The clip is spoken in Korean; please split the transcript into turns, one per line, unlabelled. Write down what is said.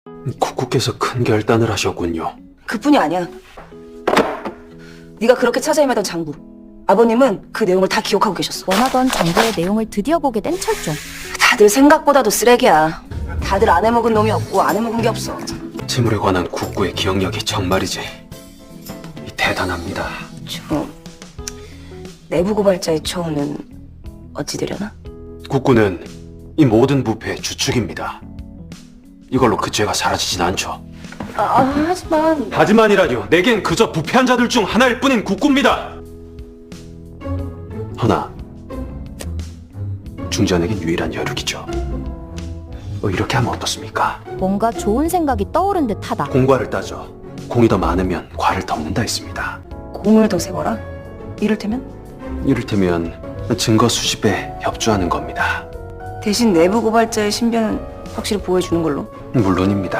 국구께서 큰 결단을 하셨군요.
그뿐이 아니야. 네가 그렇게 찾아 헤매던 장부. 아버님은 그 내용을 다 기억하고 계셨어.
원하던 장부의 내용을 드디어 보게 된 철종.
다들 생각보다도 쓰레기야. 다들 안 해먹은 놈이 없고 안 해먹은 게 없어.
재물에 관한 국구의 기억력이 정말이지 대단합니다.
저 내부 고발자의 처우는 어찌 되려나?
국구는 이 모든 부패의 주축입니다. 이걸로 그 죄가 사라지진 않죠.
하지만
하지만이라뇨. 내겐 그저 부패한 자들 중 하나일 뿐인 국구입니다. 허나 중전에겐 유일한 여륙이죠. 이렇게 하면 어떻습니까?
뭔가 좋은 생각이 떠오른 듯하다.
공과를 따져 공이 더 많으면 과를 덮는다 했습니다.
공을 더 세워라? 이를테면?
이를테면 증거 수집에 협조하는 겁니다.
대신 내부 고발자의 신변은 확실히 보호해주는 걸로.
물론입니다.